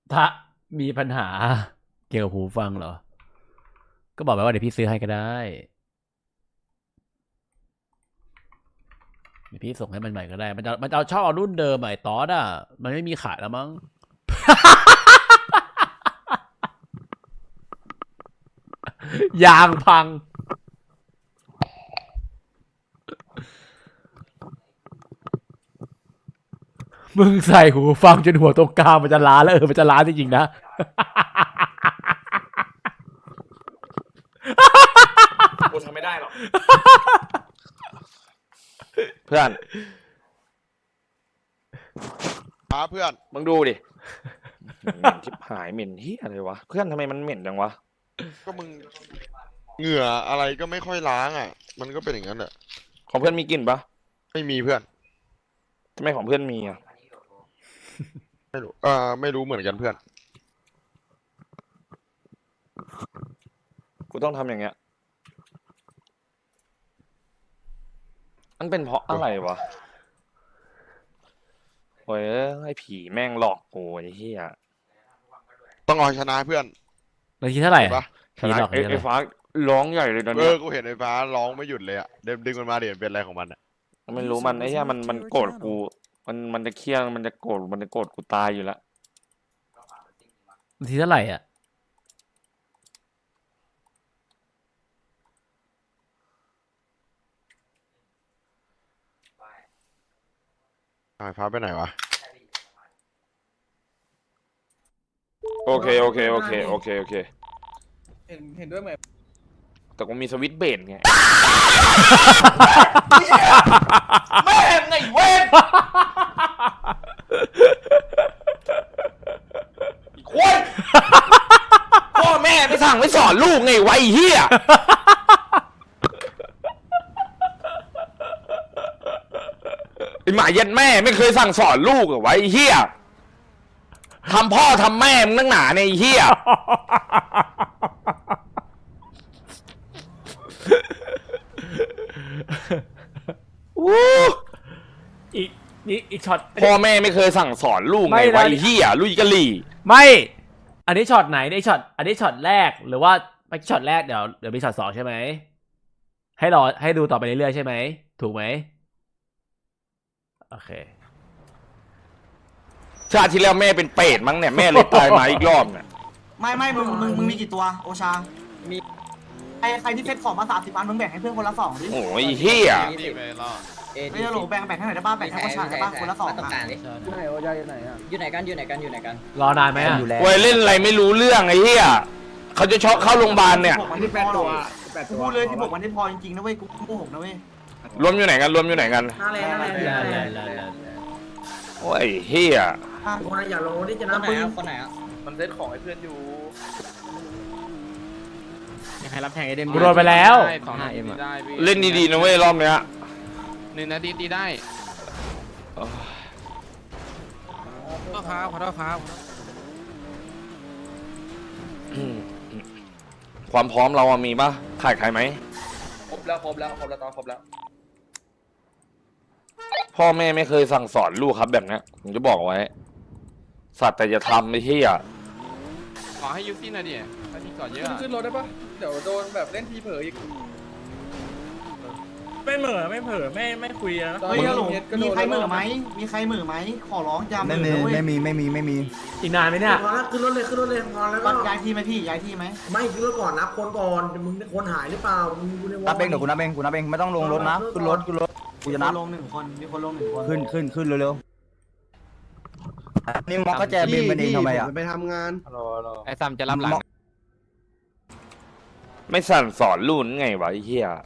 ถ้ามีปัญหาเกี่ยวกับหูฟังเหรอก็บอกไปว่าเดี๋ยวพี่ซื้อให้ก็ได้เดี๋ยวพี่ส่งให้มันใหม่ก็ได้มันจะเอาชอบเอารุ่นเดิมใหม่ตอสอ่ะมันไม่มีขายแล้วมั้ง ยางพังมึงใส่หูฟังจนหัวตรงกลางมันจะล้าแล้วมันจะล้าจริงๆนะกูทำไม่ได้หรอกเพื่อนเพื่อนมึงดูดิเหม็นชิบหายเหม็นเฮียอะไรวะเพื่อนทำไมมันเหม็นจังวะก็มึงเหงื่ออะไรก็ไม่ค่อยล้างอ่ะ มันก็เป็นอย่างนั้นแหละของเพื่อนมีกลิ่นปะไม่มีเพื่อนทำไมของเพื่อนมีอ่ะไม่รู้ไม่รู้เหมือนกันเพื่อนกูต้องทำอย่างเงี้ยมันเป็นเพราะอะไรวะโอ้ยไอ้ผีแม่งหลอกกูไอ้เหี้ยต้องเอาชนะเพื่อนนาทีเท่าไหร่เห็นปะผีหลอกไอ้ฟ้าร้องใหญ่เลยตอนเนี้ยกูเห็นไอ้ฟ้าร้องไม่หยุดเลยอ่ะเดิมดึงมันมาเดี๋ยวเป็นอะไรของมันอ่ะไม่รู้มันไอ้เหี้ยมันโกรธกูมันจะเครียดมันจะโกรธกูตายอยู่แล้วนาทีเท่าไหร่อ่ะไอ้ฟ้าไปไหนวะโอเคเห็นด้วยไหมแต่กูมีสวิตช์เบรดไงแม่งไงเว้นอีกคนพ่อแม่ไม่สั่งไม่สอนลูกไงไวะไอ้เฮียไอหมาเย็นแม่ไม่เคยสั่งสอนลูกเหรอไวะไอ้เฮียทำพ่อทำแม่มึงนักหนาในยไอ้เฮียอีกนี่อีกช็อตพ่อแม่ไม่เคยสั่งสอนลูกไม่ไงนะไวะไอ้เฮียลุยกะลี่ไม่ อันนี้ช็อตไหนอันนี้ช็อตแรกหรือว่าไม่ช็อตแรกเดี๋ยวมีช็อตสองใช่ไหมให้รอให้ดูต่อไปเรื่อยๆใช่ไหมถูกไหมโอเคชาติที่แล้วแม่เป็นเป็ดมั้งเนี่ยแม่เลยตายมาอีกรอบเนี่ยไม่มึงมีกี่ตัวโอชามีใครที่เซ็ตของมา30 อันมึงแบ่งให้เพื่อนคนละ2ดิโอ้ยเฮียไม่จะโหลแบ่งให้หน่อยได้ป่ะแบ่งให้โอชาได้ป่ะคนละ2 ต้องอ่ะการดิไหนโอชาอยู่ไหนอ่ะอยู่ไหนกันรอนานไหมอ่ะเว้ยเล่นอะไรไม่รู้เรื่องไอ้เฮียเขาจะช็อกเข้าโรงพยาบาลเนี่ยวันที่พอหรอกกูพูดเลยที่บอกวันที่พอจริงๆนะเว้ยกูโกหกนะเว้ยรวมอยู่ไหนกันนั่นแหละโอ้ยเฮียคนอย่าลงที่จะคนนับไหนปืนอ่ะคนไหนอ่ะมันเซ็ตของให้เพื่อนอยู่ใครรับแทงไอเดมกูโดนไปแล้วได้2 5M ได้พี่เล่นดีๆนะเว้ยรอบเนี้ย 1 นาทีตีได้ขอโทษครับความพร้อมเราอะมีปะขาดใครไหมครบแล้วตอนครบแล้วพ่อแม่ไม่เคยสั่งสอนลูกครับแบบเนี้ยผมจะบอกไว้ สัตว์แต่จะทำไอ้เฮียขอให้ยูซี่หน่อยดิถ้าที่ก่อนเยอะขึ้นรถได้ปะเดี๋ยวโดนแบบเล่นทีเผลออีก ไม่เหม่อไม่คุยนะเฮ้ยฮัลโหลมีใครเหม่อไหมมีใครเหม่อไหมขอร้องอย่าเหม่อนะเว้ยไม่มีอีกนานไหมเนี่ยพอแล้วขึ้นรถเลยพอแล้วก็ย้ายที่ไหมพี่ย้ายที่ไหมไม่ขึ้นรถก่อนนับคนก่อนมึงคนหายหรือเปล่ามึงอยู่ในวอลนับเองเดี๋ยวกูนับเองไม่ต้องลงรถนะขึ้นรถกูจะนับลง1 คนมีคนลง1 คนขึ้นเร็วๆนี่มอกก็แจบินมันเองทำไมอ่ะไปทำงานไอ้ซัมจะรับหลังไม่สั่งสอนลูกไงวะไอ้เฮีย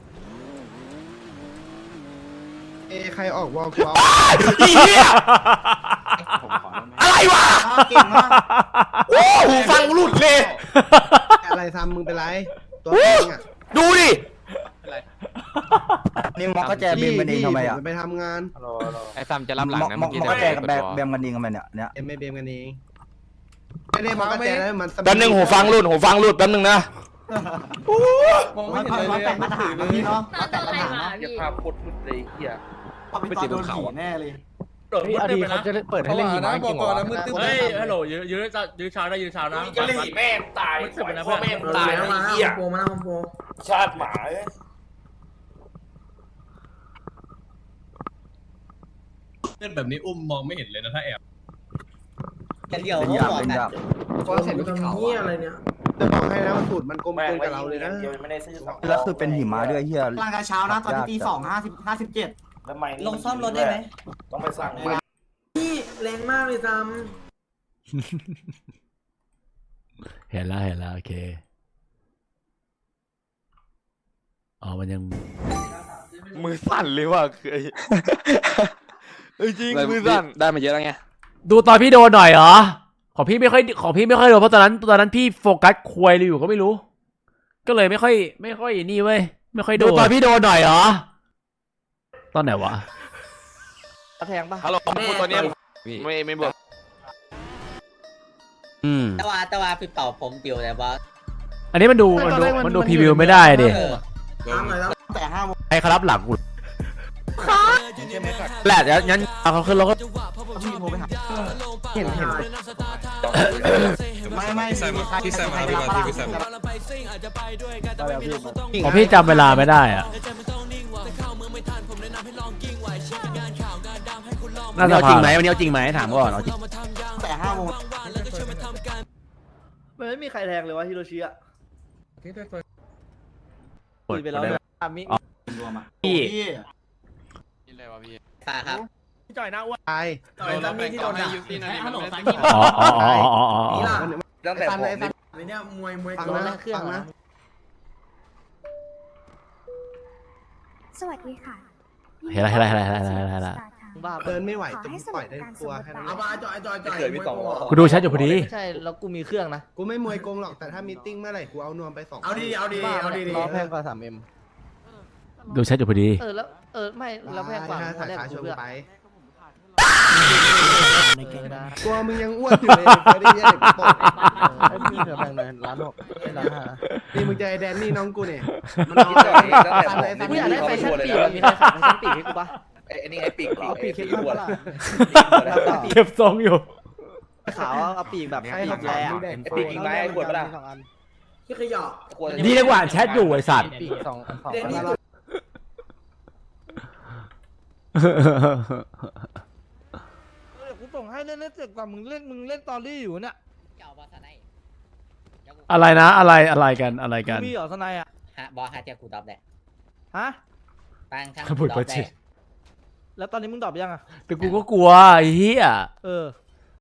ใครออกวอลกูเอาไอ้เฮียอะไรวะเก่งมากโอ้หูฟังหลุดเลยอะไรทำมึงเป็นไรตัวเองอ่ะดูดินี่มอกก็แจบินมันเองทำไมอ่ะไปทำงานไอ้ซัมจะรับหลังนะมเมื่ออก กี้ก็แจกับแบมกันเองกันมันเนี่ยเอ็มไม่เบมกันเองไม่ได้มาก็แจแล้วมันแป๊บนึงหูฟังหลุดแป๊บนึงนะมองไม่มันเห็นเลยแต่งมาตรฐานนะพี่เนาะแต่งมาตรฐานนะอย่าพาพดมุดเลยเฮียพอเป็นตอนโดนผีแน่เลยโอดีเขาจะเปิดให้เล่นหิมะจริงเหรอเฮ้ยฮัลโหลยื้อชาวได้ยื้อชาวนะจะเล่นแม่ตายพ่อแม่ตายมาไอ้เหี้ยโปรมาโปรชาติหมาเล่นแบบนี้อุ้มมองไม่เห็นเลยนะถ้าแอบกันเดียวเป็นก็ยากหมดเป็นอ่ะยากพอเสร็จลูกเขาเหี้ยอะไรเนี่ยจะบอกให้นะมันสูตรมันกลมกลืนกับเราเลยนะแล้วคือเป็นหิมะด้วยเฮียร่างกายเช้านะตอนที่ตี2:57 ลงซ่อมรถได้ไหมต้องไปสั่งนี่แรงมากเลยซ้เห็นแล้วโอเคอ๋อมันยังมือสั่นเลยว่ะคือจริงมือสั่นได้มาเยอะแล้วไงดูตอนพี่โดนหน่อยเหรอของพี่ไม่ค่อยโดนเพราะตอนนั้นพี่โฟกัสควยเลยอยู่ก็ไม่รู้ ก็เลยไม่ค่อยนี่เว้ยไม่ค่อยโดนดูตอนพี่โดนหน่อยเหรอตอนไหนวะแทงปะฮัลโหลพูดตอนนี้ไม่บอกแต่ว่าพี่เป่าผมปิวแต่ว่าอันนี้มันดูพรีวิวไม่ได้ดิำตามหน่อยแล้วแต่5 โมงใครเขารับหลังกูแหละเดี๋ยวงั้นเอาเขาขึ้นรถก็พี่โทรไปหาเห็นไม่พี่แซมมาพี่มาพี่แซมของพี่จำเวลาไม่ได้อะน่าจะจริงไหมวันนี้เอาจริงไหมถามก่อนเอาจริงแต่5 โมงมันไม่มีใครแทงเลยวะฮิโรชิอะคุยไปแล้วพี่นี่อะไรวะพี่ป่าครับตายโดนแล้วแบ่งต่อให้ยูซี่นะดิมันไม่ได้อ๋อนี่ล่ะตั้งแต่ผมไอ้เนี่ยมวยฟังตัวนะฟังนะสวัสดีค่ะเห็นละเดินไม่ไหวจะปล่อยได้กลัวแค่นั้นเอามาจอยเกิดพี่ต่อกูดูแชทอยู่พอดีใช่แล้วกูมีเครื่องนะกูไม่มวยกงหรอกแต่ถ้ามีติ้งเมื่อไหร่กูเอานวมไป2 เอาดีเอาดีล้อแพงกว่า 3M ดูแชทอยู่พอดีแล้วไม่แล้วแพงกว่าสาแรกขาชกูนเพื่อไปในเกมได้ตัวมึงยังอ้วนอยู่เลยไม่ได้เยี่ยเด็กตกไอ้พี่เธอแพงหน่อย1.6 ล้าน5 นี่มึงจะไอแดนนี่น้องกูเนี่ยมันตั้งแต่ผมกูอยากได้แฟชั่นปีกมีใครขับแฟชั่นปีกให้กูปะไอ้นี่ไอ้ปีกเอาปีกปีเข้กมหัวปะล่ะเก็บทรงอยู่ขาวเอาปีกแบบปีกแร่ปีกอีกไหมขวดปะล่ะที่ขยะนี่เรียกว่าแชทอยู่ไอสัตว์ปีก2 เด็กนี่กูส่งให้เล่นเสร็จก่อนมึงเล่นตอรี่อยู่เนี่ยเจ้าบอสไนอะไรนะอะไรกันมีเหรอสนายอ่ะฮะบอสฮะเจ้ากูตอบแหละฮะปังทั้งพูดตอก็บจริแหงละแล้วตอนนี้มึงตอบยังอ่ะแต่กูก็กลัวไอ้เหี้ยเออ